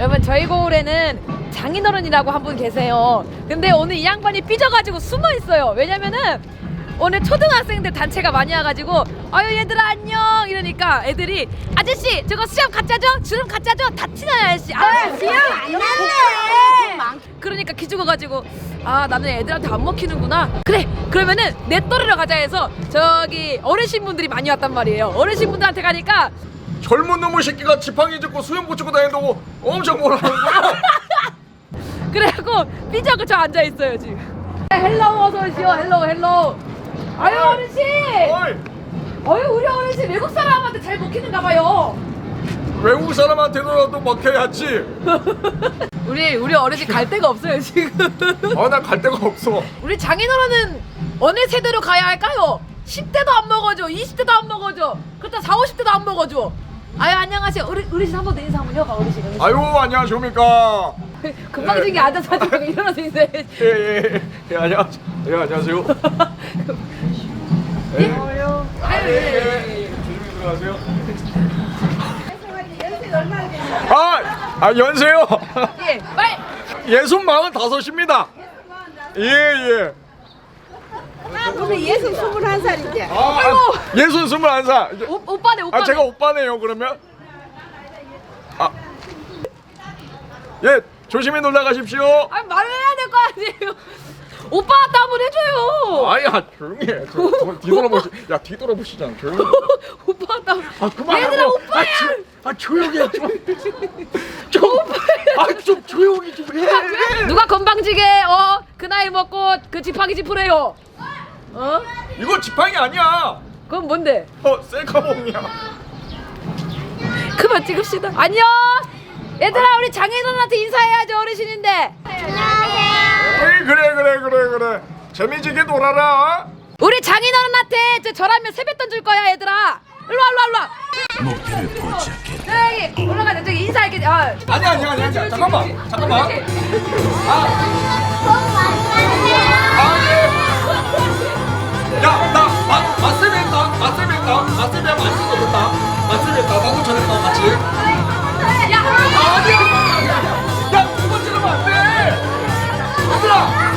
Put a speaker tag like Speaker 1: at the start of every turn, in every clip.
Speaker 1: 여러분 저희 고을에는 장인어른이라고 한 분 계세요. 근데 오늘 이 양반이 삐져가지고 숨어 있어요. 왜냐면은 오늘 초등학생들 단체가 많이 와가지고 아유 얘들아 안녕 이러니까 애들이 아저씨 저거 수염 가짜 줘? 주름 가짜 줘? 다 티나요 아저씨. 아
Speaker 2: 수염 안 났네.
Speaker 1: 그러니까 기죽어가지고 아 나는 애들한테 안 먹히는구나. 그래 그러면은 내 또래로 가자 해서 저기 어르신분들이 많이 왔단 말이에요. 어르신분들한테 가니까
Speaker 3: 젊은 놈의 새끼가 지팡이 짚고 수염 붙이고 다닌다고 엄청 뭐라는 거야?
Speaker 1: 그래갖고 삐져고 저 앉아있어요 지금. 헬로우 어서오시오. 헬로우 아유 어르신
Speaker 3: 어이,
Speaker 1: 어유 우리 어르신 외국 사람한테 잘 먹히는가 봐요.
Speaker 3: 외국 사람한테도 먹혀야지.
Speaker 1: 우리 어르신 갈 데가 없어요 지금.
Speaker 3: 나 갈 데가 없어.
Speaker 1: 우리 장인어른은 어느 세대로 가야 할까요? 10대도 안 먹어줘, 20대도 안 먹어줘, 그렇다 40, 50대도 안 먹어줘. 아유 안녕하세요. 어르신 한 번 더 인사 한번 해봐 어르신.
Speaker 3: 아유 안녕하십니까.
Speaker 1: 금방 중에 앉아서 지금 일어나서 인사해.
Speaker 3: 예, 안녕하세요. 예, 안녕하세요. 조심히 들어가세요. 연세요.
Speaker 1: 예, 빨리.
Speaker 3: 65입니다. 예.
Speaker 2: 우리 예순 21살이지.
Speaker 3: 예순 21살.
Speaker 1: 오빠네.
Speaker 3: 제가 오빠네요 그러면. 예, 조심히 놀러 가십시오.
Speaker 1: 아 말을 해야 될 거 아니에요. 오빠한테 한번 해줘요.
Speaker 3: 아야 조용히 해. 뒤돌아보시. 야 뒤돌아보시잖아. 조용히.
Speaker 1: 오빠한테 한번.
Speaker 3: 그만하고.
Speaker 1: 얘들아 오빠야.
Speaker 3: 조용히 해 좀. 좀 조용히 좀 해.
Speaker 1: 누가 건방지게 그 나이 먹고 그 지팡이 짚으래요.
Speaker 3: 이거 지팡이 아니야.
Speaker 1: 그건 뭔데?
Speaker 3: 셀카봉이야.
Speaker 1: 그만 찍읍시다. 안녕. 얘들아 우리 장인어른한테 인사해야죠 어르신인데.
Speaker 3: 에이, 그래. 재미지게 놀아라.
Speaker 1: 우리 장인어른한테 저라면 세뱃돈 줄 거야 얘들아. 일로 와.
Speaker 4: 목표를 포착해.
Speaker 1: 저기 올라가자. 저기 인사할게.
Speaker 3: 아니야. 잠깐만. 야, 나 맛세배 했다. 맛세배 맛있어 좋다. 맛세배 했다. 나도 전했다 같이. 야, 두 번 찍으면 안 돼. 얘들아.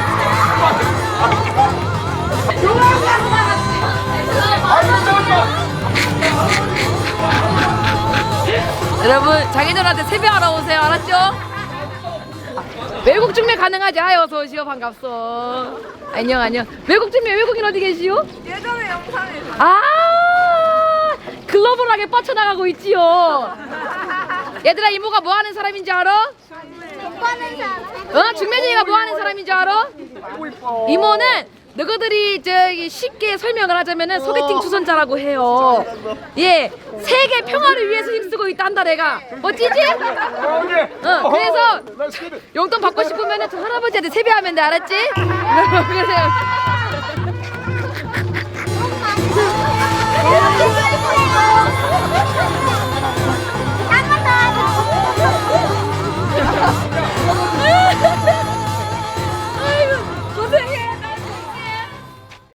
Speaker 1: 여러분 장인어른한테 세배하러 오세요. 알았죠? 외국 중매 가능하지? 어서 오시오. 반갑소. 안녕. 외국 중매 외국인 어디 계시오?
Speaker 2: 예전에 영상에서.
Speaker 1: 글로벌하게 뻗쳐나가고 있지요. 얘들아 이모가 뭐 하는 사람인지 알아? 중매쟁이가 뭐 하는 사람인지 알아? 이모는 너희들이 저기 쉽게 설명을 하자면은 소개팅 주선자라고 해요. 예, 세계 평화를 위해서 힘쓰고 있다 한다 내가. 멋지지? 그래서 용돈 받고 싶으면은 저 할아버지한테 세배하면 돼. 알았지? 그래서